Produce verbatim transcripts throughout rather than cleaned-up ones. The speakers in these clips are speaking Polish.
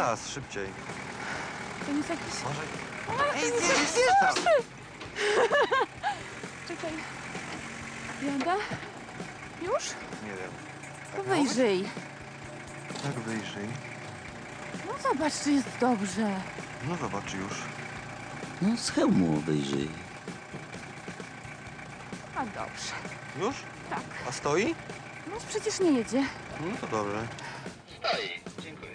Teraz, szybciej. To jest jakiś... Może... A, Ej, to jest zjeżdż, jakiś zjeżdż tam! straszny. Czekaj. Janda? Już? Nie wiem. To Tak miało być? wyjrzyj. Jak wyjrzyj? No zobacz, czy jest dobrze. No zobacz już. No, z hełmu wyjrzyj. A dobrze. Już? Tak. A stoi? No przecież nie jedzie. No to dobrze. Stoi, dziękuję.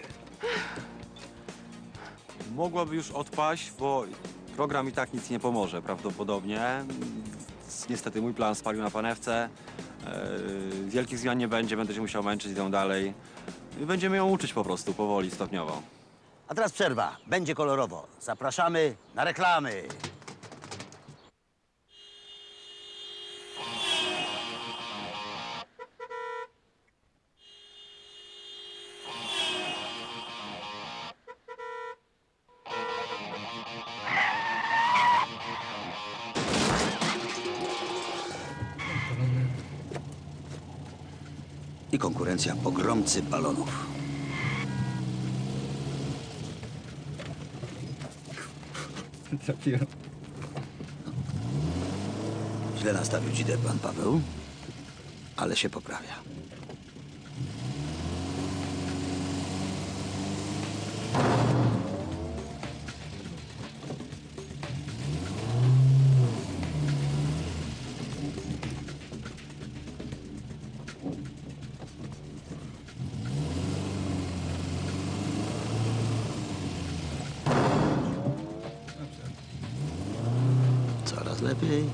Mogłaby już odpaść, bo program i tak nic nie pomoże prawdopodobnie. Niestety mój plan spalił na panewce. Yy, wielkich zmian nie będzie, będę się musiał męczyć, idę dalej. I będziemy ją uczyć po prostu, powoli, stopniowo. A teraz przerwa. Będzie kolorowo. Zapraszamy na reklamy. I konkurencja pogromcy balonów. Źle nastawił dzidę pan Paweł, ale się poprawia. Coraz lepiej.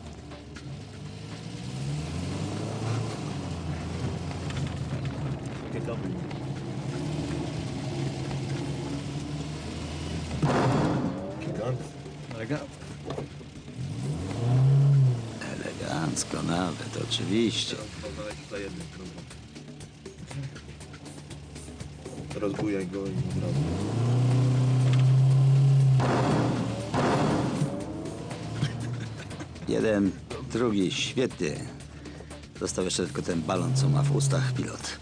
Elegancko nawet, oczywiście. Rozbujaj go i od razu. Jeden, drugi, świetnie. Został jeszcze tylko ten balon, co ma w ustach pilot.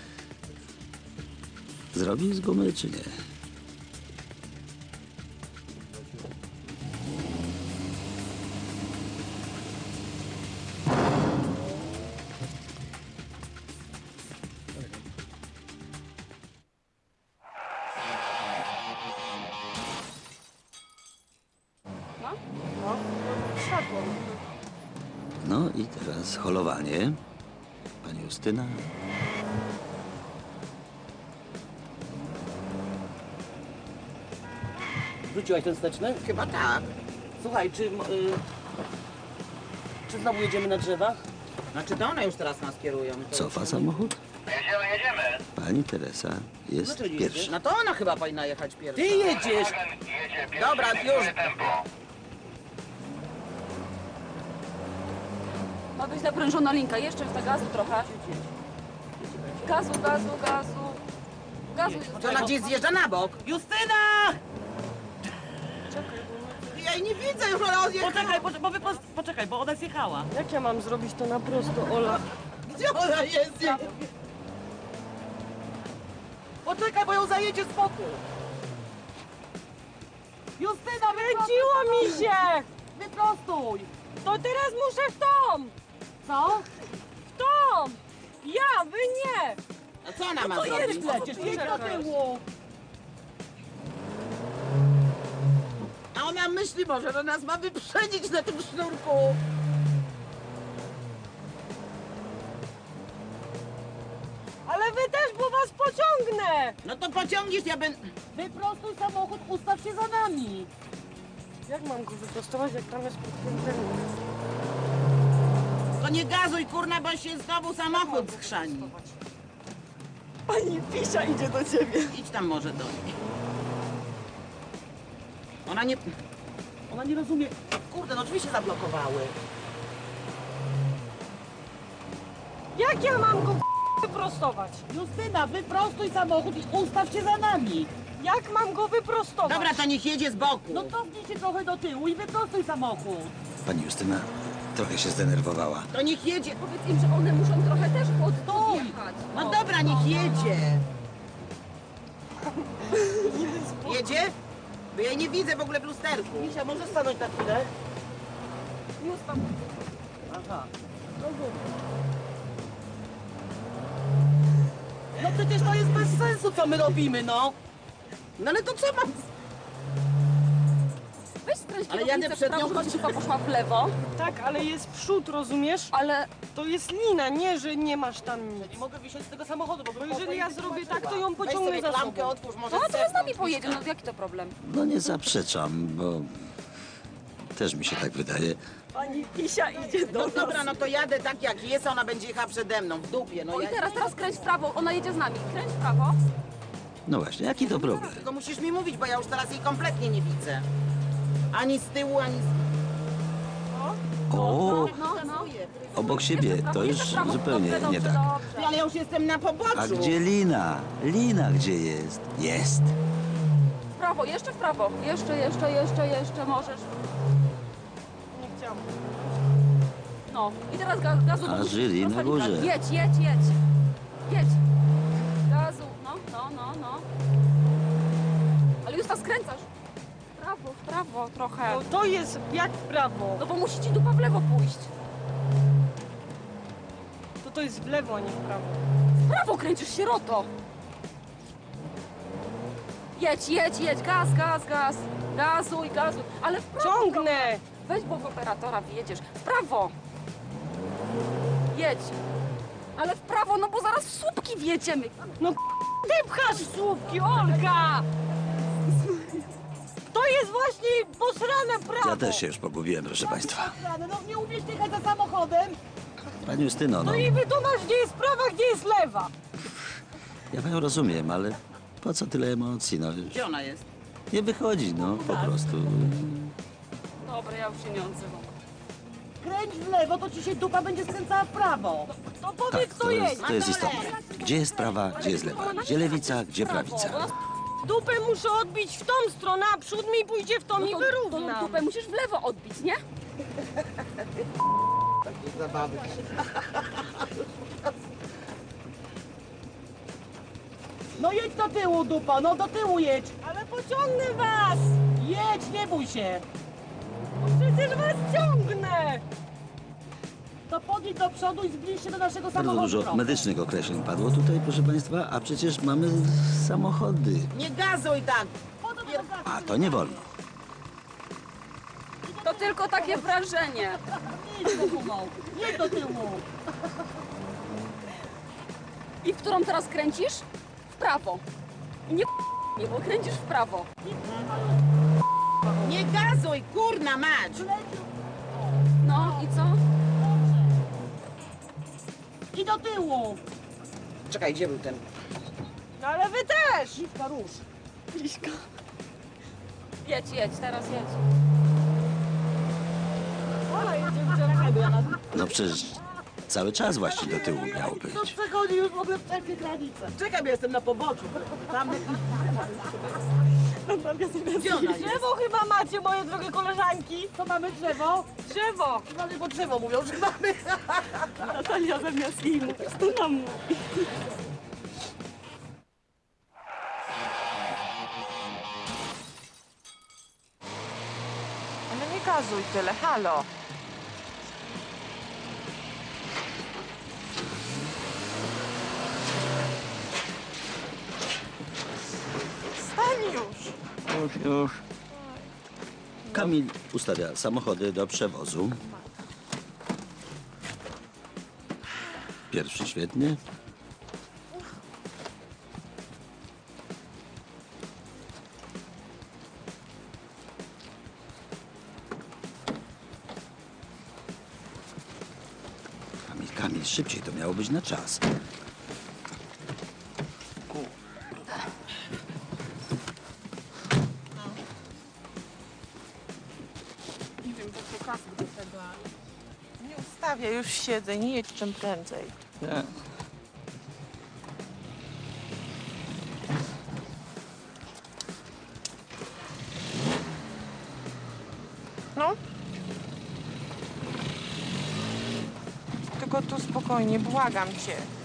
Zrobi z gumy, czy nie? No i teraz holowanie. Pani Justyna. Wróciłaś ten wsteczny? Chyba tak. Słuchaj, czy... m, Y, czy znowu jedziemy na drzewa? Znaczy to one już teraz nas kierują. To Cofa już- samochód? Jedziemy, jedziemy. Pani Teresa jest Dlaczego nie pierwsza. jedziesz? No to ona chyba powinna jechać pierwsza. Ty jedziesz! Jedzie pierwszy, Dobra, diktuje już. tempo. Ma być naprężona linka. Jeszcze w gazu trochę. Gazu, gazu, gazu. Gazu. To ona gdzieś zjeżdża na bok. Justyna! Ja jej nie widzę już, ona odjechała. Poczekaj, poczekaj, bo, wyprost... Poczekaj, bo ona zjechała. Jak ja mam zrobić to na prosto, Ola? Gdzie ona jest? Ja... Poczekaj, bo ją zajedzie z boku. Justyna, Kręciło mi się! wyprostuj! To teraz muszę w tą! Co? W tą! Ja, wy nie! A co ona ma To jedź zrobić? przecież, jedź do tyłu! A ona myśli może, że nas ma wyprzedzić na tym sznurku. Ale wy też, bo was pociągnę! No to pociągniesz, ja będę... Wyprostuj samochód, ustaw się za nami! Jak mam go wyprostować, jak tam jest podkręcenie? To nie gazuj, kurna, bo się znowu samochód skrzani. Pani Pisia idzie do ciebie. Idź tam może do niej. Ona nie... Ona nie rozumie. Kurde, no drzwi się zablokowały. Jak ja mam go wyprostować? Justyna, wyprostuj samochód i ustaw się za nami. Jak mam go wyprostować? Dobra, to niech jedzie z boku. No cofnij się trochę do tyłu i wyprostuj samochód. Pani Justyna trochę się zdenerwowała. To niech jedzie. Powiedz im, że one muszą trochę też pod, Stój! podjechać. No dobra, niech jedzie. jedzie? Bo ja jej nie widzę w ogóle w lusterku. Misia, może stanąć na chwilę? Już tam. Aha. No przecież to jest bez sensu, co my robimy, no. No ale to co mam? Weź skręć Ale kierownicę jadę w przed prawo, nią, żeby ciupa poszła w lewo. Tak, ale jest przód, rozumiesz? Ale To jest lina, nie, że nie masz tam nic. Nie mogę wysiąść z tego samochodu, bo Bo jeżeli ja zrobię tak, to ją Weź pociągnę sobie za klamkę, sobą. otwórz, może to ona teraz z nami zepnąć. pojedzie, no jaki to problem? No nie zaprzeczam, bo też mi się tak wydaje. Pani Pisia idzie do No nas. dobra, no to jadę tak jak jest, a ona będzie jechała przede mną, w dupie. No O i ja... teraz, teraz kręć w prawo, ona jedzie z nami. Kręć w prawo. No właśnie, jaki to problem? Tylko musisz mi mówić, bo ja już teraz jej kompletnie nie widzę. Ani z tyłu, ani z... O, No, no. obok siebie, to już zupełnie nie tak. Ty, ale ja już jestem na poboczu. A gdzie Lina? Lina gdzie jest? Jest. W prawo, jeszcze w prawo. Jeszcze, jeszcze, jeszcze, jeszcze możesz. Nie chciałam. No. I teraz gaz, gazu. A bo musisz żyli na rozpędzić. górze. Jedź, jedź, jedź. Jedź. Gazu. No, no, no, no. Ale już tam skręcasz. W prawo, w prawo trochę. No to jest jak w prawo. No bo musi ci dupa w lewo pójść. To to jest w lewo, a nie w prawo. W prawo kręcisz sieroto. Jedź, jedź, jedź. Gaz, gaz, gaz. Gazuj, gazuj. Ale w prawo. Ciągnę! Weź bok operatora, wjedziesz. W prawo. Jedź. Ale w prawo, no bo zaraz w słupki wjedziemy. No ty pchasz słupki, Olga! To jest właśnie posrane prawo. Ja też się już pogubiłem, proszę państwa. No, no nie umiesz jechać za samochodem? Pani Justyno, no, No i wytłumacz, gdzie jest prawa, gdzie jest lewa. ja panią rozumiem, ale po co tyle emocji, no już Gdzie ona jest? nie wychodzi, no po prostu. Dobra, ja już się nie odzywam. Kręć w lewo, to ci się dupa będzie skręcała w prawo. To Tak, powiedz, kto to jest. jest, to jest istotne. Gdzie jest prawa, gdzie jest lewa? Gdzie lewica, gdzie prawica? Dupę muszę odbić w tą stronę, a przód mi pójdzie w tą No i to, to wyrównam. dupę musisz w lewo odbić, nie? Zabawy. No jedź do tyłu, dupa, no do tyłu jedź. Ale pociągnę was! Jedź, nie bój się. No przecież was ciągnę! To podjedź do przodu i zbliż się do naszego Bardzo samochodu dużo trochę. medycznych określeń padło tutaj, proszę państwa, a przecież mamy samochody. Nie gazuj tak. A to nie wolno. To tylko takie wrażenie. Jedź do tyłu. Jedź do tyłu. I w którą teraz kręcisz? W prawo. I nie nie, bo kręcisz w prawo. Nie gazuj, kurna mać. No i co? I do tyłu. Czekaj, gdzie był ten? No ale wy też! Liczka, rusz. Liśka. Jedź, jedź, teraz jedź. Ola jedzie w drzewo. No przecież cały czas właśnie do tyłu miało To być. przechodzi już w ogóle wszelkie granice. Czekaj, bo jestem na poboczu. Tam... Gdzie ona jest? Drzewo chyba macie, moje drogie koleżanki. To mamy drzewo. Drzewo! Mamy, bo drzewo mówią, że mamy. Natalia zamiast jej mówić, to nam mówi. Ale nie gazuj tyle, halo. Stań już. Już, już. Kamil ustawia samochody do przewozu. Pierwszy świetnie. Kamil, Kamil, szybciej, to miało być na czas. Nie ustawiaj, już siedzę, nie jedź czym prędzej. Tak. No. Tylko tu spokojnie, błagam cię.